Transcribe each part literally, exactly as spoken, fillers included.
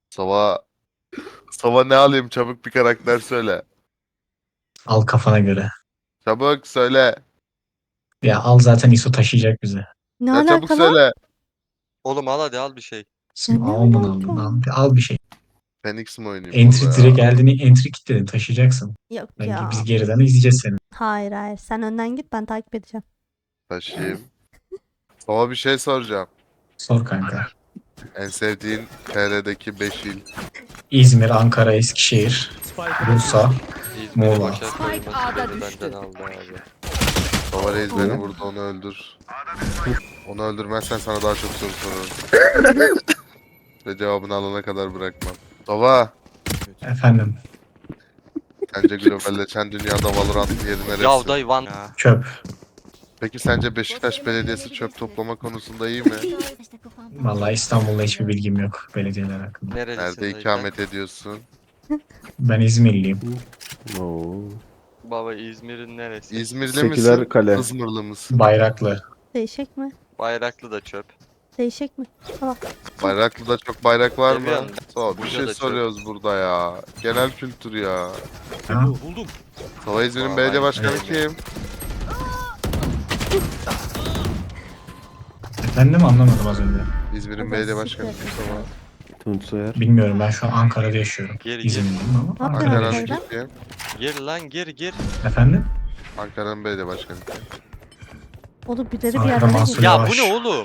Sova Sova ne alayım, çabuk bir karakter söyle. Al kafana göre. Çabuk söyle. Ya al zaten İso taşıyacak bizi. Ne Ya çabuk alaka lan? söyle. Oğlum al hadi al bir şey. Şimdi ne al bunu al alaka? bunu al. Al bir şey. Phoenix mi oynayayım Entry burada ya? direkt geldiğini entry kilitledin taşıyacaksın. Yok Ben, ya. biz geriden izleyeceğiz seni. Hayır hayır. Sen önden git, ben takip edeceğim. Taşıyayım. Sova bir şey soracağım. Sor kanka. En sevdiğin T R'deki beş il. İzmir, Ankara, Eskişehir, Bursa. İzmir'i Muğla. başa koyması Spike A'da beni düştü. benden aldı abi. Sova Reis beni vurdu, onu öldür. Onu öldürmezsen sana daha çok soru sorarım. Ve cevabını alana kadar bırakmam. Sova, Efendim. sence globalleşen dünyada Valorant'ın yeri neresi? Ya dayı van ya. Çöp. Peki sence Beşiktaş Belediyesi çöp toplama konusunda iyi mi? Vallahi İstanbul'da hiçbir bilgim yok belediyeler hakkında. Nerelisin Nerede dayı sen? ikamet ediyorsun? Ben İzmirliyim. Oo. Baba İzmir'in neresi? İzmirli Seküler misin? kale. Izmirli mısın? Bayraklı. Değişik mi? Bayraklı da çöp. Değişik mi? Tamam. Bayraklı'da çok bayrak var mı? Seviyorum. Sova, bir Burada şey da çok. soruyoruz burada ya. Genel kültür ya. Ha? Sova İzmir'in Vay, belediye başkanı evet. kim? Efendim anlamadım az önce. İzmir'in Evet, belediye siktir. başkanı kim Sova? Tunç Soyer. Bilmiyorum, ben şu an Ankara'da yaşıyorum. Geri, İzmirliyim ama Ne Ankara'da yapıyorsun Ankara'nın yaşıyorum. Ankara'da? kim? Gir lan gir gir. Efendim? Ankara'nın belediye başkanı kim? Oğlum birileri bir Ankara yerden Mansur geliyor. Ya Yavaş. bu ne oğlum?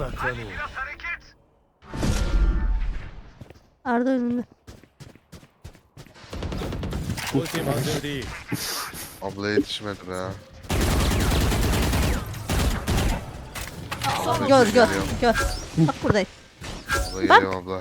Arda önünde. Abla yetişmedi be. Gör gör Geliyor. gör. Bak buradayım. Abla geliyor abla.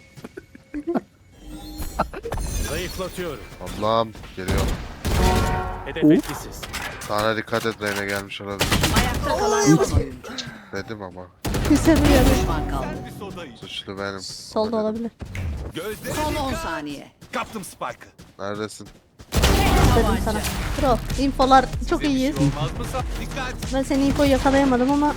Zayıflatıyorum. Ablam geliyor. Hedef etkisiz. Sana dikkat et, Reyna gelmiş olabilir. Ayakta kalan son oyuncu. Dedim ama. Küsemiyorum. Düşman kaldı. Suçlu benim. Solda Ama dedim. olabilir. Gözde Son on saniye. kaptım Spike'ı. Neredesin? Dedim sana. Bro, infolar çok iyiyiz. Olmaz mı sa? Dikkat. Ben senin infoyu yakalayamadım ama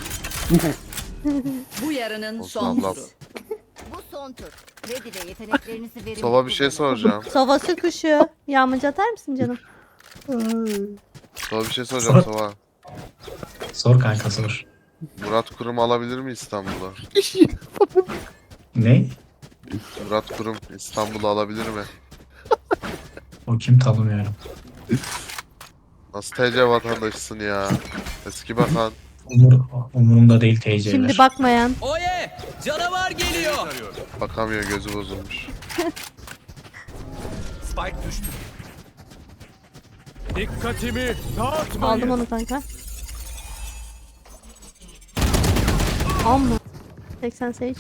Bu yarının Olsun son ablam. turu. Bu son tur. Ready ve yeteneklerinizi verin. Sova bir şey soracağım. sovası kuşu. Yağmacı atar mısın canım? Sova bir şey soracağım Sova. Sor kanka sor. Murat Kurum alabilir mi İstanbul'u? Ne? Murat Kurum İstanbul'u alabilir mi? O kim tanımıyorum. Nasıl T C vatandaşısın ya? Eski bakan. Umur, umurumda değil T C'ler. Şimdi bakmayan. Oye! Canavar geliyor. Bakamıyor, gözü bozulmuş. Spike düştü. Dikkatimi dağıtmayın. Aldım onu kanka. Amma. seksen Sage.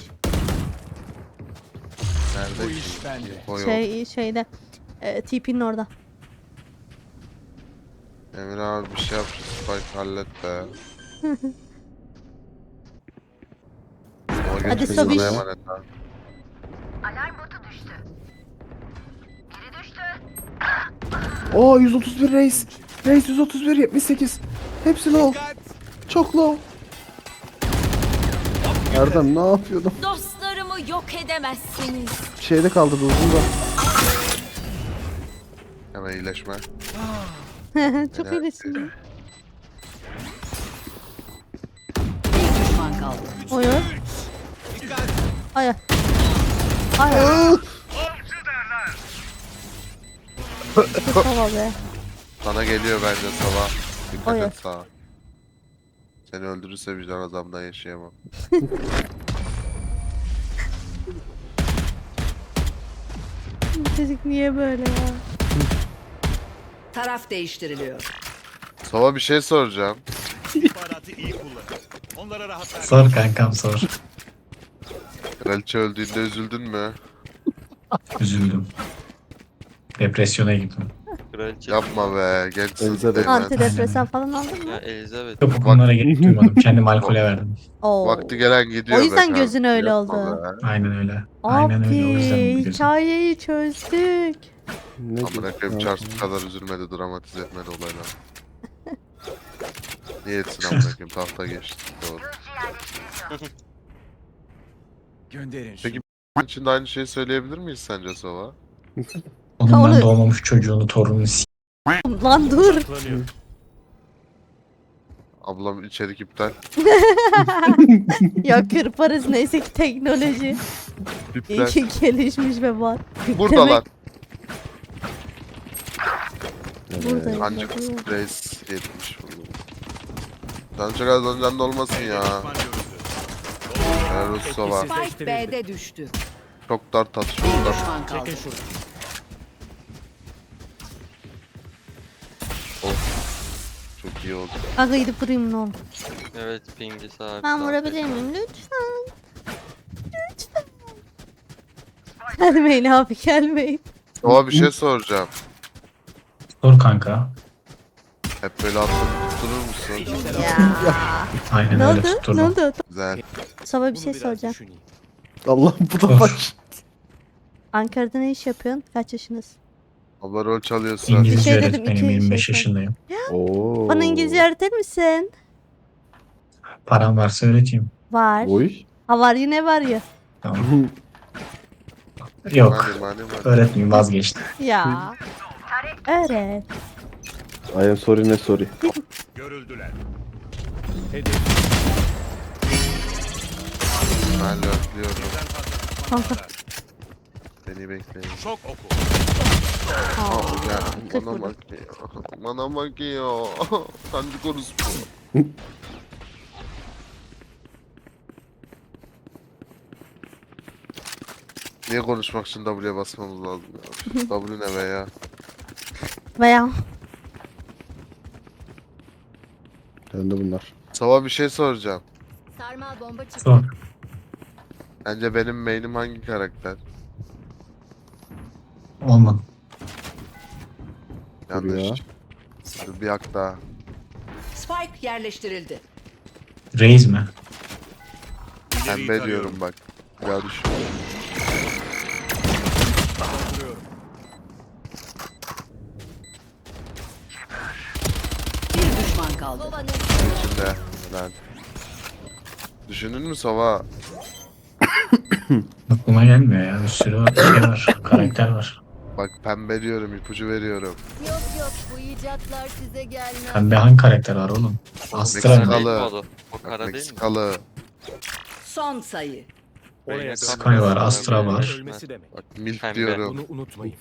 Nerede? Bu iş bende. O yok. Şey şeyde. E, T P'nin orada. Emir abi bir şey yap, şu Spike hallet be. Sova Hadi geçmiş, Sobiş. sana emanet ha. Oo yüz otuz bir Reis. Reis yüz otuz bir yetmiş sekiz. Hepsi low. Çok low. Erdem ne yapıyordum? Dostlarımı yok edemezsiniz. Şeyde kaldı bu uzun da. Hemen iyileşme. Çok Helal. iyisin. Bir düşman kaldı. Oyun. Ay. Ay. Tamam be. Sana geliyor bence sabah. Dikkat Oy. et sağa. Seni öldürürse vicdan azabından yaşayamam. Çocuk niye böyle ya? Taraf değiştiriliyor. Sova bir şey soracağım. İstihbaratı iyi kullan. Onlara rahat ver. Sor kankam sor. Kraliçe öldüğünde üzüldün mü? Üzüldüm. Depresyona girdim. Kraliçe. Yapma be, gençsin. Elizabeth. Değmez. Antidepresan falan aldın Ya mı? Elizabeth. Yok bunlara gerek duymadım. Kendimi alkole verdim. Oo. Vakti gelen gidiyor O be yüzden kanka. gözün öyle Yapma oldu. be. Aynen öyle. Aynen öyle. O yüzden Abi biliyorsun. hikayeyi çözdük. Ne Amına koyayım, Charles bu kadar üzülmedi, dramatize etmedi olaylar. Niye etsin amına koyayım, tahta geçti. Doğru. Gönderin şunu. Peki, için de aynı şeyi söyleyebilir miyiz sence Sova? Onun onu- ben doğmamış çocuğunu torununu s**. Lan dur. Saklanıyor. Ablam içerik iptal. Ya kırparız neyse ki teknoloji. İyi İptal. ki gelişmiş ve var. Buradalar. Buradayım. Ancak bakıyorum. Reis yetmiş bunu. Can çok az önceden de olmasın ya. Düşman görüldü. Helal olsun Sova. Spike B'de düştü. Çok dar tat, Bir çok dar. düşman kaldı. Çekin şunu. Çok iyi oldu. Aga gidip vurayım ne olur. Evet pingi sabit. Ben sabit. vurabilir miyim? Lütfen. Lütfen. Gelmeyin abi gelmeyin. Sova bir şey soracağım. Sor kanka. Hep böyle atıp tutturur musun? Ya. Aynen Ne öyle oldu? Ne tutturdum. oldu? Güzel. Sabah bir Bunu şey biraz soracağım. düşüneyim. Allah bu da Sor. baş. Ankara'da ne iş yapıyorsun? Kaç yaşındasın? Abla rol çalıyorsun. İngilizce Bir şey dedim, öğretmenim, iki yirmi beş şey yaşındayım. Oo. Bana İngilizce öğretir misin? Param varsa öğreteyim. Var. Oy. Ha var yine var ya. Tamam. Yok. Mani mani mani. Öğretmeyeyim, vazgeçtim. Ya. Öğret. I am sorry ne sorry. Görüldüler. Hedef Ben lörtlüyorum. birden fazla Kanka. düşman var. Beni bekleyin. Şok oku. Aa, ya, kırk bana vurdum. bakıyor. Bana bakıyor. Sancı konusu. Niye konuşmak için W'ye basmamız lazım ya? W ne be ya? Veya. Ben de bunlar. Sava bir şey soracağım. Sarmal bomba çıktı. Sor. Bence benim main'im hangi karakter? Olmadı. Dur ya. Yanlış. Dur bir hak daha. Spike yerleştirildi. Reis mi? İleriyi Pembe tarıyorum. diyorum bak. Ya düşün. Dolduruyorum. Bir düşman kaldı. Kovanın İçinde. Helal. Düşündün mü Sava? Aklıma gelmiyor ya. Bir sürü şey var. Karakter var. Bak pembe diyorum, ipucu veriyorum. yok yok bu icatlar size gelmez. Pembe hangi karakter var oğlum? Astra Meksikalı. mı? Değil mi o da? O kara değil mi? Meksikalı. Son sayı. Oraya Sky dönmesi var, demek, Astra var. Ölmesi demek. Bak milf Pembe. diyorum. Bunu unutmayın.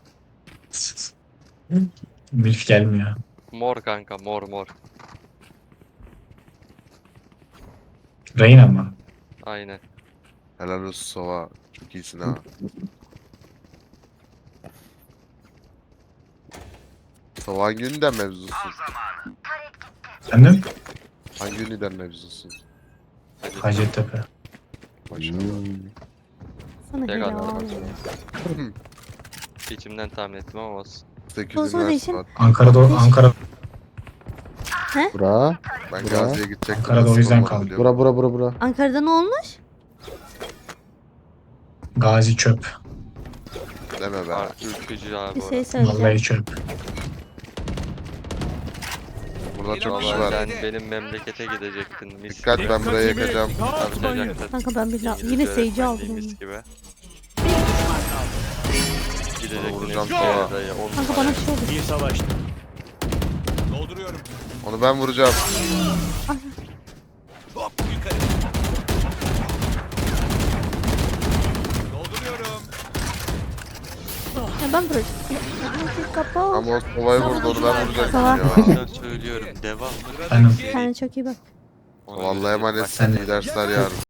Milf gelmiyor. Mor kanka mor mor. Reyna mı? Aynen. Helal olsun Sova. Çok iyisin ha. Sova hangi üniden mevzusun? Efendim? Hangi üniden mevzusun? Hadi. Hacettepe. Maşallah. Sana Tek gel adam. abi. İçimden tahmin ettim ama olsun. sekiz Bozma üniversite değişim. var. Ankara'da Ankara Bura. Ben Bura. Gazi'ye gidecektim. Ankara'da o nasip yüzden olmadı kaldım. biliyor Bura bura bura bura. Ankara'da ne olmuş? Gazi çöp. musun? Deme be. Var, ürkücü abi Bir orası. şey söyleyeceğim. Vallahi çöp. Burada çok kişi Vallahi var. sen benim memlekete gidecektin. Mis Dikkat gibi. ben buraya yakacağım. Harcayacaktın. Kanka ben bir la- İngilizce yine seyirci öğretmenliği aldım. mis gibi. Bir düşman kaldı. Gidecektin Vuracağım eski sana. dayı. on Kanka bana bir şey oldu. Bir savaştı. Dolduruyorum. Onu ben vuracağım. Hop yukarı. Dolduruyorum. Ya ben vuracağım. Ya, Kapat. Ama o Sova'yı vurdu onu ben vuracaktım Sova. ya. Ben söylüyorum devam. Efendim? Kendine çok iyi bak. Ona Vallahi göre- emanetsin. Sen de- İyi dersler yarın.